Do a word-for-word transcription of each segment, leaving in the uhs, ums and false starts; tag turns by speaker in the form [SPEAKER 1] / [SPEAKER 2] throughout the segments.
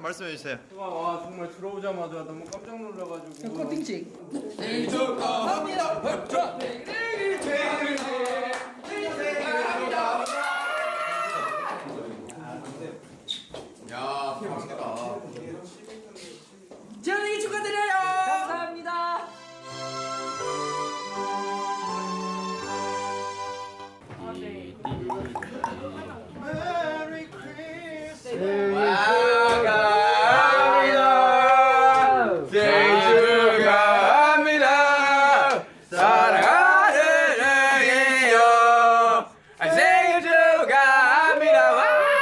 [SPEAKER 1] 말씀해 주세요.
[SPEAKER 2] 와 정말 들어오자마자 너무 깜짝 놀라가지고.
[SPEAKER 3] 코팅찍.
[SPEAKER 4] 생일 축하합니다. 생일 축하합니다. 야, 맛있겠다.
[SPEAKER 3] 생일 축하드려요. 감사합니다.
[SPEAKER 4] 축하합니다. 생일 축하합니다. 사랑하는 애기요. 생일 축하합니다. 와!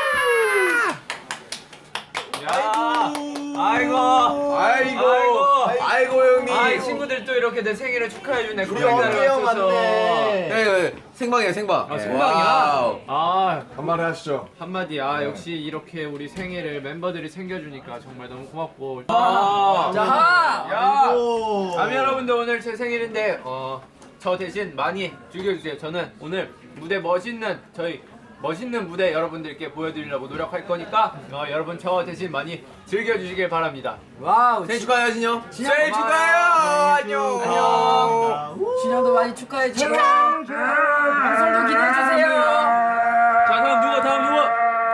[SPEAKER 2] 아이고.
[SPEAKER 4] 아이고, 아이고 형님.
[SPEAKER 2] 아, 이 친구들 또 이렇게 내 생일을 축하해주네.
[SPEAKER 1] 우리 언니 형 왔네.
[SPEAKER 4] 네, 생방이야 생방.
[SPEAKER 2] 아, 생방이야?
[SPEAKER 4] 와우.
[SPEAKER 2] 아,
[SPEAKER 5] 한마디 하시죠.
[SPEAKER 2] 한마디. 아, 역시 이렇게 우리 생일을 멤버들이 챙겨주니까 정말 너무 고맙고.
[SPEAKER 4] 아,
[SPEAKER 2] 자, 야,
[SPEAKER 1] 아이고.
[SPEAKER 2] 아미 여러분들 오늘 제 생일인데 어, 저 대신 많이 즐겨주세요. 저는 오늘 무대 멋있는 저희 멋있는 무대 여러분들께 보여드리려고 노력할 거니까 어, 여러분 저 대신 많이 즐겨주시길 바랍니다.
[SPEAKER 3] 와우.
[SPEAKER 4] 생일 축하해요 진영.
[SPEAKER 3] 생일
[SPEAKER 4] 축하해요. 안녕.
[SPEAKER 3] 안녕. 진영도 많이 축하해 주세요. 방송도 기대해 주세요.
[SPEAKER 2] 자, 다음 누가 다음 누가?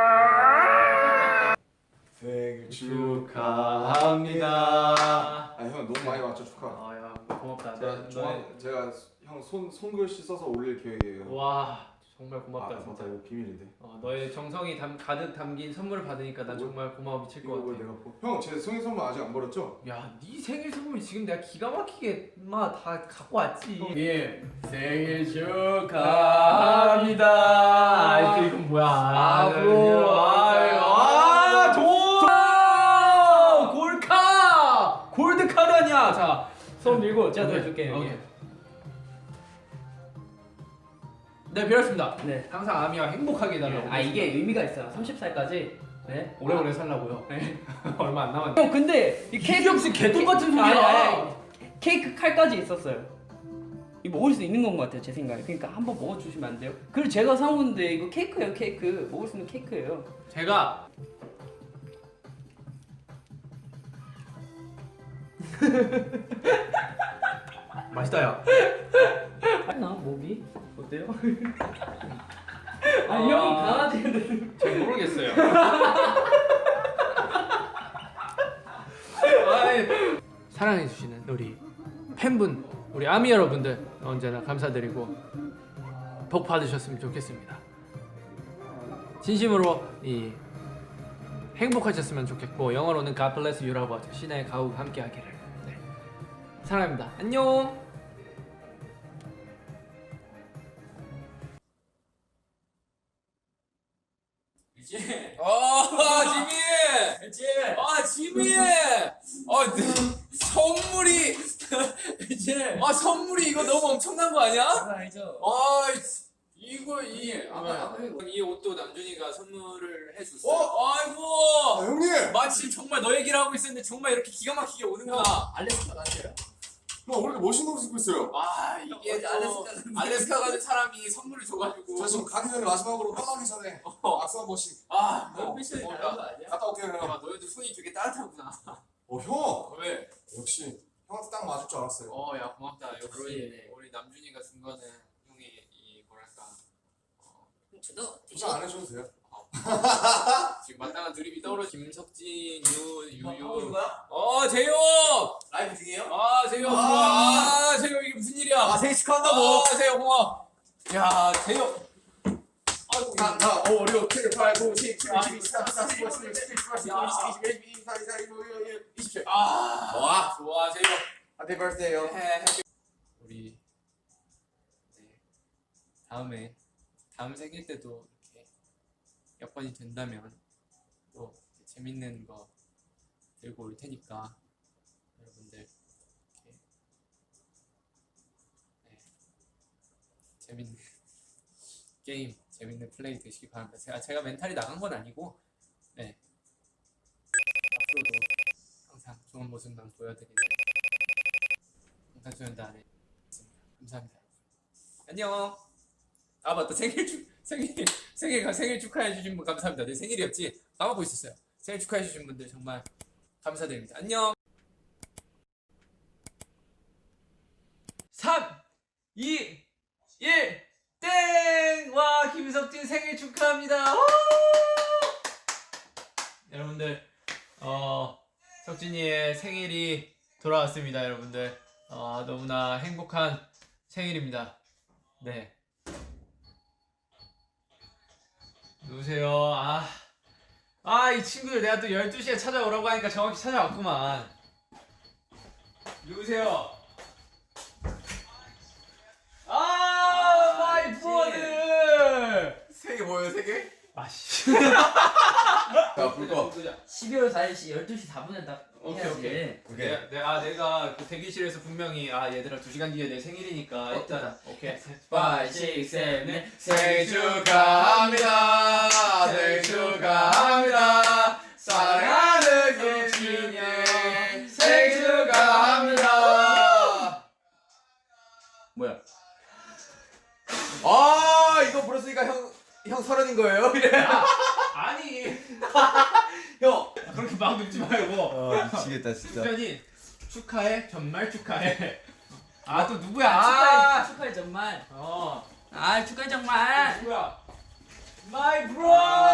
[SPEAKER 5] 생일
[SPEAKER 2] 축하합니다.
[SPEAKER 5] 아, 형 너무 많이 왔죠 축하.
[SPEAKER 2] 아, 야, 고맙다.
[SPEAKER 5] 제가
[SPEAKER 2] 너-
[SPEAKER 5] 중앙
[SPEAKER 2] 너의-
[SPEAKER 5] 제가 형 손 손글씨 써서 올릴 계획이에요.
[SPEAKER 2] 와, 정말
[SPEAKER 5] 아,
[SPEAKER 2] 고맙다
[SPEAKER 5] 맞다
[SPEAKER 2] 진짜.
[SPEAKER 5] 이거 비밀인데.
[SPEAKER 2] 어, 너의 정성이 담, 가득 담긴 선물을 받으니까 난 정말 고마워 미칠 것
[SPEAKER 5] 이거 왜
[SPEAKER 2] 같아.
[SPEAKER 5] 내가 보... 형제 생일 선물 아직 안 버렸죠?
[SPEAKER 2] 야, 네 생일 선물 지금 내가 기가 막히게 마 다 갖고 왔지.
[SPEAKER 4] 예, 생일 축하합니다.
[SPEAKER 2] 아, 또 이건 뭐야?
[SPEAKER 4] 앞으로
[SPEAKER 2] 아, 돈! 골카! 골드 카드 아니야. 자, 손 밀고 제가 넣어줄게요. 오케이. 네, 배웠습니다.
[SPEAKER 3] 네.
[SPEAKER 2] 항상 아미와 행복하게 해달라고.
[SPEAKER 3] 아 이게 의미가 있어요. 삼십 살까지. 네.
[SPEAKER 2] 오래오래 살라고요. 네. 얼마 안 남았네.
[SPEAKER 3] 형 근데 이 케이크
[SPEAKER 2] 혹시 개똥 같은 소리야.
[SPEAKER 3] 아니, 아니, 케이크 칼까지 있었어요. 이거 먹을 수 있는 건 것 같아요 제 생각에. 그러니까 한번 먹어주시면 안 돼요? 그리고 제가 사오는데 이거 케이크예요 케이크. 먹을 수 있는 케이크예요.
[SPEAKER 2] 제가 맛있다 야.
[SPEAKER 3] 나 몸이 어때요?
[SPEAKER 2] 아,
[SPEAKER 3] 아니 형이 강아지인데.
[SPEAKER 2] 잘 모르겠어요. 아이, 사랑해주시는 우리 팬분, 우리 아미 여러분들 언제나 감사드리고 복 받으셨으면 좋겠습니다. 진심으로 이 행복하셨으면 좋겠고 영어로는 God bless you라고 하죠. 신의 가옥 함께하기를. 네. 사랑합니다. 안녕.
[SPEAKER 4] 이제. 아, 지미. 이제. 아, 지미. 아, 네. 선물이. 이제. 아, 선물이 이거 너무 엄청난 거 아니야?
[SPEAKER 3] 알죠.
[SPEAKER 4] 아, 이거 이 아까 이 옷도 남준이가 선물을 해줬어. 어? 아이고.
[SPEAKER 5] 아 형님!
[SPEAKER 4] 마치 정말 너 얘기를 하고 있었는데 정말 이렇게 기가 막히게 오는구나.
[SPEAKER 3] 알래스카 가세요?
[SPEAKER 5] 형 왜 이렇게 멋있는 옷 입고 있어요?
[SPEAKER 4] 아, 이게 또
[SPEAKER 3] 알래스카
[SPEAKER 4] 알래스카 가는 사람이 선물을 줘가지고.
[SPEAKER 5] 저 지금 가기 전에 마지막으로 떠나기 전에 악수 한 번씩
[SPEAKER 4] 아,
[SPEAKER 3] 너무
[SPEAKER 4] 너
[SPEAKER 3] 패션이
[SPEAKER 4] 어,
[SPEAKER 3] 다른 거 아니야?
[SPEAKER 5] 갔다 올게요 형.
[SPEAKER 4] 아, 너희도 손이 되게 따뜻하구나.
[SPEAKER 5] 어 형!
[SPEAKER 4] 왜?
[SPEAKER 5] 역시 형한테 딱 맞을 줄 알았어요.
[SPEAKER 4] 어, 야 고맙다. 역시
[SPEAKER 3] 그러네.
[SPEAKER 4] 우리 남준이가 준 거는 형이 이 뭐랄까
[SPEAKER 3] 저도
[SPEAKER 5] 포장 안 해줘도 돼요.
[SPEAKER 4] 지금 마땅한 드립이 떠오르. 김석진, 유, 유유.
[SPEAKER 3] 거야?
[SPEAKER 4] 어, 재효.
[SPEAKER 3] 라이브 중이에요?
[SPEAKER 4] 아, 재효 좋아. 아, 재효 이게 무슨 일이야?
[SPEAKER 3] 아 생일 축하한다고.
[SPEAKER 4] 아, 재효 고마워. 야, 재효. 아이고,
[SPEAKER 5] 하나, 오, 육, 칠, 팔, 구, 십, 칠,
[SPEAKER 4] 아,
[SPEAKER 5] 십이, 십삼, 십사, 십오, 십육, 십칠, 십팔, 십구, 이십, 이십일, 이십이, 이십삼, 이십사, 이십오, 이십육, 이십칠.
[SPEAKER 4] 아,
[SPEAKER 5] 와.
[SPEAKER 4] 좋아, 재효.
[SPEAKER 5] Happy birthday 형.
[SPEAKER 4] 해, 해. 우리 네. 다음에 다음 생일 때도 이렇게 여건이 된다면 또 재밌는 거 들고 올 테니까 여러분들 이렇게 네. 재밌는 게임, 재밌는 플레이 되시기 바랍니다. 제가 제가 멘탈이 나간 건 아니고 네. 앞으로도 항상 좋은 모습만 보여드리는 방탄소년단 안에 있습니다. 감사합니다. 안녕. 아 맞다, 생일 축 생일 생일 생일 축하해 주신 분 감사합니다. 내 생일이었지 까먹고 있었어요. 생일 축하해주신 분들 정말 감사드립니다. 안녕.
[SPEAKER 2] 삼, 이, 일, 땡! 와, 김석진 생일 축하합니다. 우! 여러분들, 어, 석진이의 생일이 돌아왔습니다, 여러분들. 어, 너무나 행복한 생일입니다. 네. 누구세요? 아, 아, 이 친구들 내가 또 열두 시에 찾아오라고 하니까 정확히 찾아왔구만. 누구세요? 아, 마이 브로들!
[SPEAKER 5] 세 개 뭐예요, 세 개?
[SPEAKER 2] 아씨.
[SPEAKER 5] 자, 불 꺼.
[SPEAKER 3] 십이월 사일시 열두 시 사 분에 딱
[SPEAKER 2] 오케이,
[SPEAKER 3] 해야지.
[SPEAKER 2] 오케이.
[SPEAKER 5] 오케이.
[SPEAKER 2] 내가, 내가, 아, 내가 그 대기실에서 분명히 아 얘들아 두 시간 뒤에 내 생일이니까 일단 오케이.
[SPEAKER 3] 오, 육, 칠, 팔
[SPEAKER 5] 생일 축하합니다. 생일 축하합니다. 사랑하는 김진이 생일 축하합니다.
[SPEAKER 3] 뭐야?
[SPEAKER 5] 아, 이거 불었으니까 형, 형 서른인 거예요?
[SPEAKER 2] 아니
[SPEAKER 5] 형.
[SPEAKER 2] 그렇게 막 눕지 말고.
[SPEAKER 5] 아, 미치겠다, 진짜.
[SPEAKER 2] 수현이 축하해 정말 축하해. 아 또 누구야?
[SPEAKER 3] 축하해,
[SPEAKER 2] 아,
[SPEAKER 3] 축하해 정말.
[SPEAKER 2] 어
[SPEAKER 3] 아 축하해 정말.
[SPEAKER 2] 누구야? 마이 브로.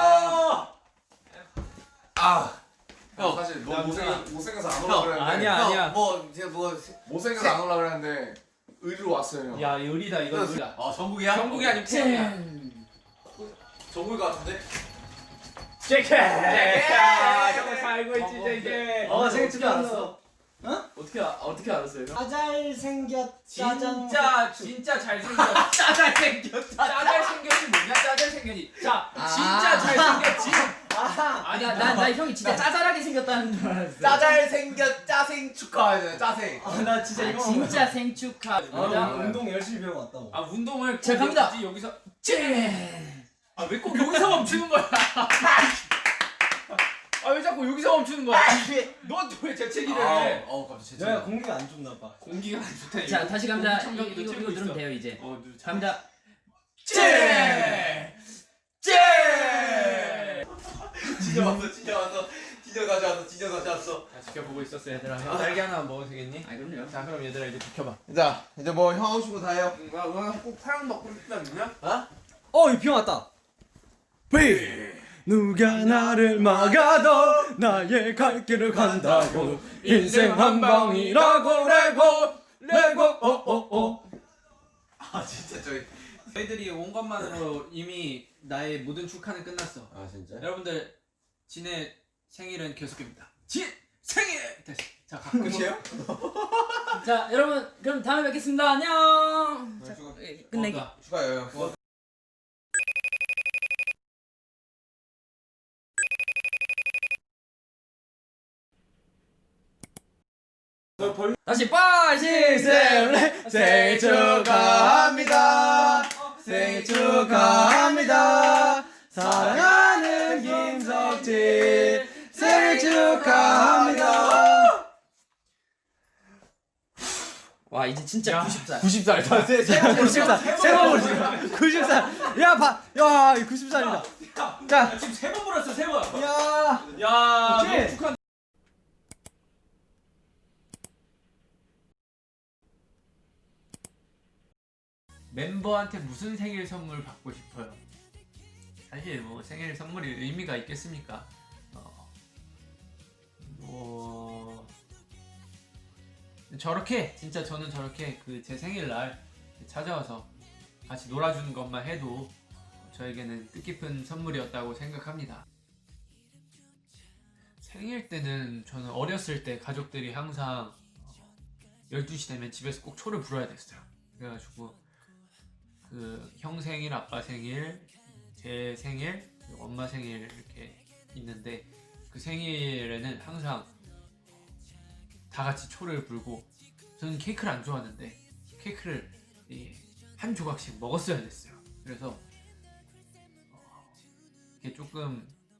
[SPEAKER 5] 아. 형,
[SPEAKER 1] 사실 너
[SPEAKER 2] 남자.
[SPEAKER 1] 못생 못생겨서 안
[SPEAKER 5] 형,
[SPEAKER 1] 오려고 그랬는데
[SPEAKER 2] 아니야, 아니야.
[SPEAKER 5] 뭐, 제가 뭐.
[SPEAKER 1] 못생겨서 안 오려고 그랬는데 의리로 왔어요 형.
[SPEAKER 2] 야 의리다 이거 의리다.
[SPEAKER 5] 아, 정국이야?
[SPEAKER 2] 정국이 아니면 태영이야.
[SPEAKER 5] 정국일 것 같은데?
[SPEAKER 2] 제케. 아, 정말 잘 알고 있지
[SPEAKER 1] 어,
[SPEAKER 2] 제케.
[SPEAKER 6] 어, 생일 축하했어.
[SPEAKER 3] 어떻게 아- 어떻게 알았어요?
[SPEAKER 6] 아, 잘생겼 짜장.
[SPEAKER 2] 진짜 진짜 잘생겼. 짜잘 생겼. 짜잘 생겼이 뭐냐? 짜잘 생겼이. 자 진짜 잘생겼지. 아니
[SPEAKER 3] 나, 나, 나 형이 진짜 짜잘하게 생겼다는 줄 알았어.
[SPEAKER 5] 짜잘 생겼 짜생 축하하네, 짜생.
[SPEAKER 6] 아, 나 진짜
[SPEAKER 3] 아,
[SPEAKER 6] 이거
[SPEAKER 3] 진짜 생축하.
[SPEAKER 6] 아,
[SPEAKER 3] 맞아.
[SPEAKER 6] 운동 열심히 배워 왔다고.
[SPEAKER 2] 아 운동을
[SPEAKER 3] 자,
[SPEAKER 2] 꼭
[SPEAKER 3] 갑니다.
[SPEAKER 2] 굳이 여기서 아왜 꼭 여기서 멈추는 거야? 아 왜 자꾸 여기서 멈추는 거야? 넌 왜 재채기를 해?
[SPEAKER 5] 어, 갑자기
[SPEAKER 6] 내가 공기가 안 좋나 봐.
[SPEAKER 2] 공기가 안 좋다.
[SPEAKER 3] 자 다시 갑니다. 이거
[SPEAKER 2] 청정기도
[SPEAKER 3] 이거,
[SPEAKER 2] 틀고
[SPEAKER 3] 이거 누르면
[SPEAKER 2] 있어.
[SPEAKER 3] 돼요 이제.
[SPEAKER 2] 어, 누-
[SPEAKER 3] 갑니다.
[SPEAKER 2] 째! 째!
[SPEAKER 5] 진짜 왔어, 진짜 왔어. 진짜 다시 왔어, 진짜 다시 왔어.
[SPEAKER 2] 다 지켜보고 있었어 얘들아. 형 딸기 하나 먹어도 되겠니?
[SPEAKER 3] 아 그럼요.
[SPEAKER 2] 자 그럼 얘들아 이제 비켜봐.
[SPEAKER 5] 자, 이제 뭐 형 하고 싶은 거 다 해요.
[SPEAKER 2] 나 오늘 꼭 파랑 먹고 싶다 있냐?
[SPEAKER 6] 어, 이 비 왔다. 비. 누가 나를 막아도 나의 갈 길을 간다고 인생 한 방이라고 레고 레고 오오오.
[SPEAKER 5] 아, 진짜 저기.
[SPEAKER 2] 저희들이 온 것만으로 이미 나의 모든 축하는 끝났어.
[SPEAKER 5] 아, 진짜?
[SPEAKER 2] 여러분들 진의 생일은 계속입니다. 진 생일 다시 자 가끔
[SPEAKER 5] 끝이에요?
[SPEAKER 3] 자 여러분 그럼 다음에 뵙겠습니다. 안녕. 자,
[SPEAKER 5] 축하.
[SPEAKER 3] 예, 끝내기.
[SPEAKER 2] 고맙다.
[SPEAKER 5] 축하해요, 형.
[SPEAKER 3] 다시 빠, 시, 셋,
[SPEAKER 6] 생일 축하합니다. 생일 축하합니다. 사랑하는 김석진 생일 축하합니다.
[SPEAKER 3] 와 이제 진짜 구십 살.
[SPEAKER 6] 구십 살. 구십 살. 세번 보지. 구십 살. 야, 봐. 야, 구십 살이다. 자,
[SPEAKER 2] 지금 세 번 불었어 세 번.
[SPEAKER 6] 야.
[SPEAKER 2] 야
[SPEAKER 6] 그치?
[SPEAKER 2] 너무 축하. 멤버한테 무슨 생일 선물 받고 싶어요? 사실 뭐 생일 선물이 의미가 있겠습니까? 어, 뭐 저렇게 진짜 저는 저렇게 그 제 생일날 찾아와서 같이 놀아주는 것만 해도 저에게는 뜻깊은 선물이었다고 생각합니다. 생일 때는 저는 어렸을 때 가족들이 항상 열두 시 되면 집에서 꼭 초를 불어야 됐어요. 그래가지고 그 형 생일, 아빠 생일, 제 생일, 그리고 엄마 생일 이렇게 있는데 그 생일에는 항상 다 같이 초를 불고 저는 케이크를 안 좋아하는데 케이크를 한 조각씩 먹었어야 됐어요. 그래서 이게 조금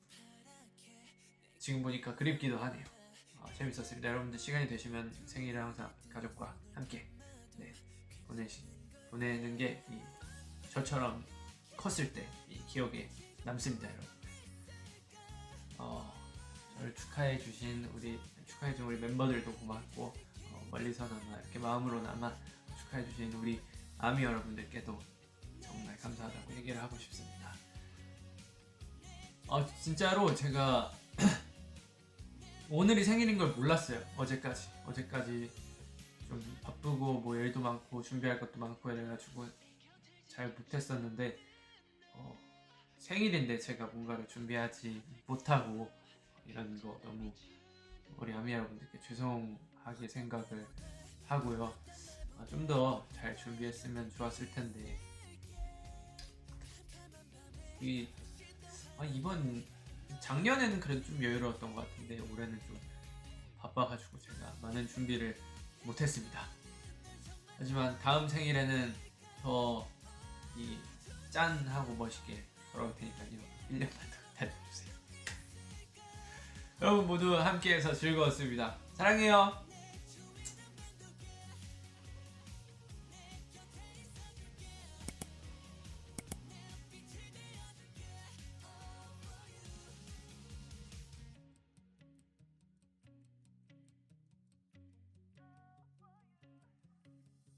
[SPEAKER 2] 지금 보니까 그립기도 하네요. 어, 재밌었습니다. 여러분들 시간이 되시면 생일을 항상 가족과 함께 네, 보내시, 보내는 게 이, 저처럼 컸을 때 이 기억에 남습니다, 여러분. 어, 저를 축하해 주신 우리 축하해 준 우리 멤버들도 고맙고 어, 멀리서나마 이렇게 마음으로나마 축하해 주신 우리 아미 여러분들께도 정말 감사하다고 얘기를 하고 싶습니다. 어 진짜로 제가 오늘이 생일인 걸 몰랐어요. 어제까지 어제까지 좀 바쁘고 뭐 일도 많고 준비할 것도 많고 이래가지고 잘 못했었는데 어, 생일인데 제가 뭔가를 준비하지 못하고 이런 거 너무 우리 아미 여러분들께 죄송하게 생각을 하고요. 아, 좀 더 잘 준비했으면 좋았을 텐데 이 아, 이번 작년에는 그래도 좀 여유로웠던 것 같은데 올해는 좀 바빠가지고 제가 많은 준비를 못했습니다. 하지만 다음 생일에는 더 이 짠하고 멋있게 돌아올 테니까요. 일 년만 더 기다려주세요. 여러분 모두 함께해서 즐거웠습니다. 사랑해요.